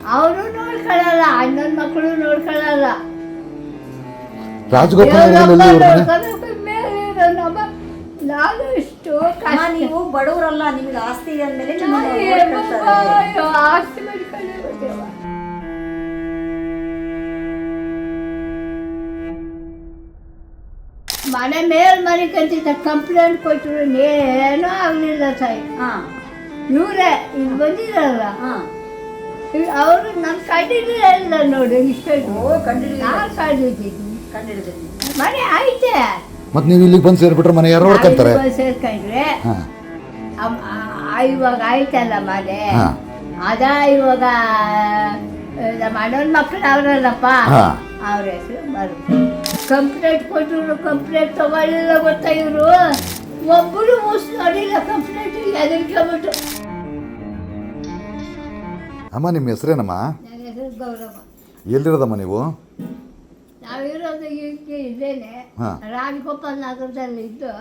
ಅವರು ನೋಡ್ಕೊಳ್ಳಲ್ಲ, ಅಣ್ಣನ ಮಕ್ಕಳು ನೋಡ್ಕೊಳ್ಳಲ್ಲ. ರಾಜಗೋಪಾಲ್ ನಾನು ಇಷ್ಟು ನೀವು ಬಡವರಲ್ಲ, ನಿಮ್ಗೆ ಆಸ್ತಿ ಅಂದ್ಮೇಲೆ ಆಸ್ತಿ ಮಾಡ್ಕೊಳ್ಳಿ. ಮನೆ ಮೇಲ್ ಮನೆ ಕಂತಿದ್ದ ಕಂಪ್ಲೇಂಟ್ ಕೊಟ್ಟರು ಏನೂ ಆಗಲಿಲ್ಲ ತಾಯಿ. ಇವರೇ ಇಲ್ಲಿ ಬಂದಿರಲ್ಲ, ಅವರು ನನ್ನ ಕಂಡಿದ್ರೆ ಇಲ್ಲ ನೋಡಿ. ಇಷ್ಟು ನಾನು ಕಂಡಿದ್ದೀನಿ. ಮನೆ ಐತೆ, ಮತ್ತೆ ನೀವು ಇಲ್ಲಿಗೆ ಬಂದು ಸೇರ್ಬಿಟ್ರೆ ಮನೆ ಯಾರು ನೋಡ್ಕೊಂತಾರೆ? ಸೇರ್ಕೊಂಡ್ರೆ ಇವಾಗ ಆಯ್ತಲ್ಲ ಮನೆ. ಅದ ಇವಾಗ ನಮ್ಮ ಅಣ್ಣನ ಮಕ್ಕಳು ಅವರಲ್ಲಪ್ಪ, ಅವ್ರ ಹೆಸರು ಬರುತ್ತೆ. ಕಂಪ್ಲೇಂಟ್ ಕೊಟ್ಟರು, ಕಂಪ್ಲೇಂಟ್ ತಗೊಳ್ಳಿಲ್ಲ ಗೊತ್ತಾ ಇವರು. ಒಬ್ಬರು ಮೂಸ್ ನೋಡಿಲ್ಲ ಕಂಪ್ಲೇಂಟ್ ಎದುರ್ಕೊಂಬಿಟ್ಟು. ಅಮ್ಮ ನಿಮ್ಮ ಹೆಸರೇನಮ್ಮ? ನನ್ನ ಹೆಸರು ಗೌರವ. ಎಲ್ಲಿರೋದಮ್ಮ ನೀವು? ನಾವಿರೋದು ಈಗ ಇದ್ದೇನೆ, ರಾಜಗೋಪಾಲ್ ನಗರದಲ್ಲಿ ಇದ್ದು.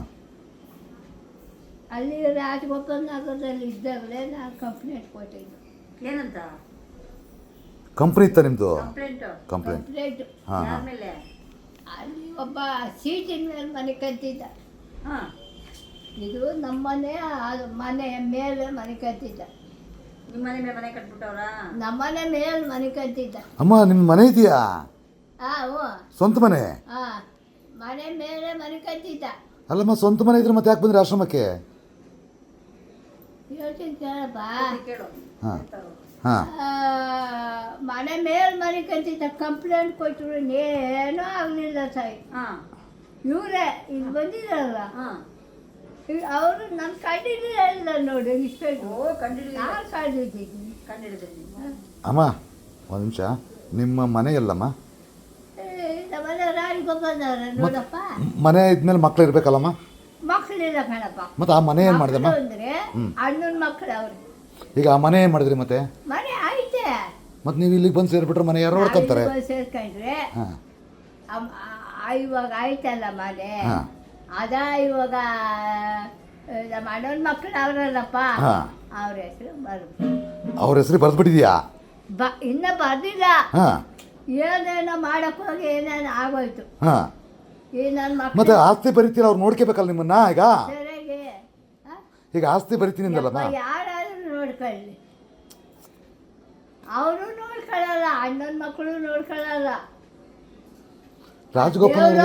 ಅಲ್ಲಿ ರಾಜಗೋಪಾಲ್ ನಗರದಲ್ಲಿ ಇದ್ದಾಗಲೇ ನಾನು ಕಂಪ್ಲೇಂಟ್ ಕೊಟ್ಟಿದ್ದು. ಏನಂತ ಕಂಪ್ನಿ ಇತ್ತ ನಿಮ್ಮದು? ಕಂಪ್ಲೇಂಟ್. ಅಲ್ಲಿ ಒಬ್ಬ ಸೀಟಿನ ಮೇಲೆ ಮನೆ ಕಟ್ಟಿದ್ದ. ಇದು ನಮ್ಮನೆ ಮನೆ ಮೇಲೆ ಮನೆ ಕಟ್ಟಿದ್ದ. ನಿಮ್ಮನೆ ಮೇಲೆ ಮನೆ ಕಟ್ಬಿಟ್ಟವ್ರ? ನಮ್ಮನೆ ಮೇಲೆ ಮನೆ ಕಟ್ಟಿದ್ದ. ಅಮ್ಮ ನಿಮ್ಮ ಮನೆ ಇದೆಯಾ? ಸ್ವಂತ ಮನೆ? ಮನೆ ಮೇಲೆ ಮನೆ ಕಟ್ಟಿದ್ದ. ಅಲ್ಲಮ್ಮ ಸ್ವಂತ ಮನೆ ಇದ್ರೆ ಮತ್ತೆ ಯಾಕೆ ಬಂದ್ರಿ ಆಶ್ರಮಕ್ಕೆ? ಹೇಳ್ತೀನಿ ಕೇಳಪ್ಪ. ಮನೆ ಮೇಲೆ ಮನೆ ಕಟ್ಟಿದ್ದ. ಕಂಪ್ಲೇಂಟ್ ಕೊಟ್ಟರು ಏನೂ ಆಗಲಿಲ್ಲ ತಾಯಿ. ಇವರೇ ಇಲ್ಲಿ ಬಂದಿರಲ್ಲ, ಅವರು ನನ್ನ ಕಂಡಿದ್ರೆ ಇಲ್ಲ ನೋಡಿ. ಇಷ್ಟು ನಾನು ಕಂಡಿದ್ದೀನಿ. ಅಮ್ಮ ಒಂದು ನಿಮಿಷ, ನಿಮ್ಮ ಮನೆ ಎಲ್ಲಮ್ಮ? ಮನೆ ರಾಜಗೋಪಾಲ್ನವ್ರ ನೋಡಪ್ಪ. ಮನೆ ಇದ್ಮೇಲೆ ಮಕ್ಳು ಇರ್ಬೇಕಲ್ಲಮ್ಮ? ಮಕ್ಕಳಿಲ್ಲ ಕಣಪ್ಪ. ಮತ್ತೆ ಆ ಮನೆ ಏನು ಮಾಡಿದಮ್ಮ? ಅಂದ್ರೆ ಅಣ್ಣನ ಮಕ್ಕಳು ಅವ್ರು. ಈಗ ಆ ಮನೆ ಏನು ಮಾಡಿದ್ರಿ ಮತ್ತೆ? ಮನೆ ಐತೆ, ಮತ್ತೆ ನೀವು ಇಲ್ಲಿಗೆ ಬಂದು ಸೇರಿಬಿಟ್ರೆ ಮನೆ ಯಾರು ನೋಡ್ಕೊಂತಾರೆ? ಸೇರ್ಕೊಂಡ್ರೆ ಇವಾಗ ಆಯ್ತಲ್ಲ ಮನೆ. ಅದ ಇವಾಗ ನಮ್ಮ ಅಣ್ಣನ ಮಕ್ಕಳು ಅವರಲ್ಲಪ್ಪ, ಅವ್ರ ಹೆಸರು ಬರುತ್ತೆ. ಅವ್ರ ಹೆಸರು ಬರೆದ್ಬಿಟ್ಟಿದ್ಯಾ? ಇನ್ನ ಬರ್ದಿಲ್ಲ. ಏನೇನೋ ಮಾಡಕ್ ಹೋಗಿ ಏನೇನೋ ಆಗೋಯ್ತು. ಈ ನನ್ನ ಮಕ್ಕಳು ಮತ್ತೆ ಆಸ್ತಿ ಬರೀತೀರ, ಅವ್ರು ನೋಡ್ಕೋಬೇಕಲ್ಲ ನಿಮ್ಮನ್ನ. ಈಗ ಸರಿಯಾಗಿ ಈಗ ಆಸ್ತಿ ಬರೀತೀನಿ ಅಂದಲ್ಲಮ್ಮ? ಯಾರಾದ್ರೂ ನೋಡ್ಕೊಳ್ಳಿ, ಅವರು ನೋಡ್ಕೊಳ್ಳಲ್ಲ, ಅಣ್ಣನ ಮಕ್ಕಳು ನೋಡ್ಕೊಳ್ಳಲ್ಲ. ರಾಜಗೋಪಾಲ್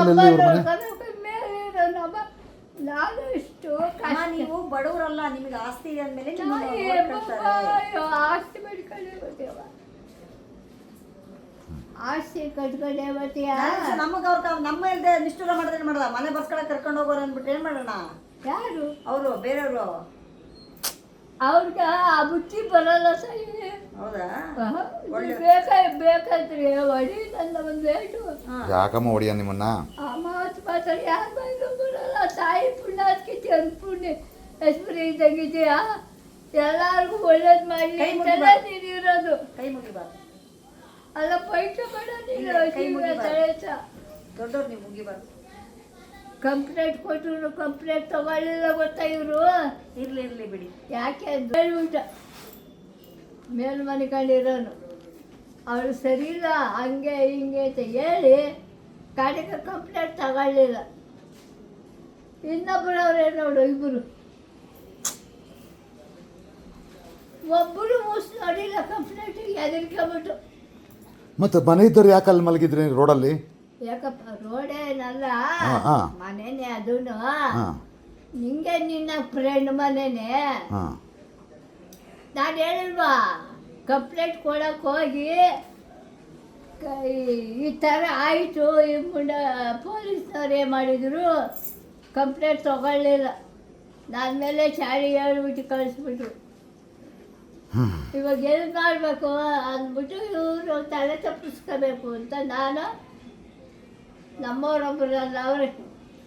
ನಾನು ಇಷ್ಟು ನೀವು ಬಡವರಲ್ಲ, ನಿಮ್ಗೆ ಆಸ್ತಿ ಅಂದ್ಮೇಲೆ ಆಸ್ತಿ ಮಾಡ್ಕೊಂಡೇ ಬರ್ತೀವ. ಆಸ್ತಿ ಕಟ್ಕೊಂಡೇ ಬರ್ತೀಯ. ನಮಗೆ ನಮ್ಮ ಇಲ್ಲದೆ ನಿಷ್ಠೂರ ಮಾಡಿದ್ರೆ ಮಾಡಲ್ಲ. ಮನೆ ಬರ್ಸ್ಕೊಳಕ್ಕೆ ಕರ್ಕೊಂಡು ಹೋಗೋರು ಅಂದ್ಬಿಟ್ಟು ಏನು ಮಾಡೋಣ? ಯಾರು ಅವರು? ಬೇರೆಯವರು. ಅವ್ರಿಗೆ ಆ ಬುದ್ಧಿ ಬರಲ್ಲ ಸರಿ. ಹೌದಾ? ಬೇಕಾದ್ರಿ ಹೊಡಿ ನನ್ನ ಒಂದು ರೇಟು. ಯಾಕಮ್ಮ ಹೊಡಿಯ ನಿಮ್ಮನ್ನ? ಆ ಮಾತು ಮಾತಾಡಿ ಯಾರು ಬಂದು ಬರಲ್ಲ. ತಾಯಿ ಪುಣ್ಯ ಅದಕ್ಕೆ ಒಂದು ಪುಣ್ಯ ಹೆಸರು ಇದ್ದಂಗಿದೆಯಾ. ಎಲ್ಲರಿಗೂ ಒಳ್ಳೇದು ಮಾಡಿ ನೀನಿರೋದು. ಕೈ ಮುಗಿಬಾರ್ದು. ಅಲ್ಲ ಪೈಟ ಬೇಡ ನೀನು. ದೊಡ್ಡವ್ರು ನೀವು ಮುಗಿಬಾರ್ದು. ಕಂಪ್ಲೇಂಟ್ ಕೊಟ್ಟರು, ಕಂಪ್ಲೇಂಟ್ ತಗೊಳ್ಳಿಲ್ಲ ಗೊತ್ತಾ ಇವರು. ಇರ್ಲಿ ಬಿಡಿ. ಯಾಕೆ ಹೇಳ್ಬಿಟ್ಟ ಮೇಲ್ ಮನೆ ಕಂಡಿರೋನು ಅವಳು ಸರಿ ಇಲ್ಲ, ಹಂಗೆ ಹಿಂಗೆ ಅಂತ ಹೇಳಿ ಕಡೆಗೆ ಕಂಪ್ಲೇಂಟ್ ತಗೊಳ್ಳಿಲ್ಲ. ಇನ್ನೊಬ್ಬರವ್ರೆ ನೋಡು, ಇಬ್ಬರು. ಒಬ್ಬರು ಮೂಸ್ ನೋಡಿಲ್ಲ ಕಂಪ್ಲೇಂಟ್ ಎದುರ್ಕೊಂಬಿಟ್ಟು. ಮತ್ತೆ ಮನೆ ಇದ್ದವ್ರು ಯಾಕೆ ಅಲ್ಲಿ ಮಲಗಿದ್ರಿ ರೋಡಲ್ಲಿ? ಯಾಕಪ್ಪ ರೋಡೇನಲ್ಲ, ಮನೇನೆ ಅದೂ. ನಿಂಗೆ ನಿನ್ನ ಫ್ರೆಂಡ್ ಮನೇನೆ. ನಾನು ಹೇಳಿಲ್ವಾ ಕಂಪ್ಲೇಂಟ್ ಕೊಡಕ್ಕೆ ಹೋಗಿ ಈ ಥರ ಆಯಿತು. ಈ ಮುಂದೆ ಪೊಲೀಸ್ನವ್ರು ಏನು ಮಾಡಿದರು, ಕಂಪ್ಲೇಂಟ್ ತಗೊಳ್ಳಿಲ್ಲ. ನನ್ನ ಮೇಲೆ ಚಾಡಿ ಹೇಳ್ಬಿಟ್ಟು ಕಳಿಸ್ಬಿಟ್ರು. ಇವಾಗ ಎಲ್ಲಿ ಮಾಡಬೇಕು ಅಂದ್ಬಿಟ್ಟು ಇವರು ತಲೆ ತಪ್ಪಿಸ್ಕೋಬೇಕು ಅಂತ ನಾನು, ನಮ್ಮವರೊಬ್ಬರಲ್ಲ ಅವರೇ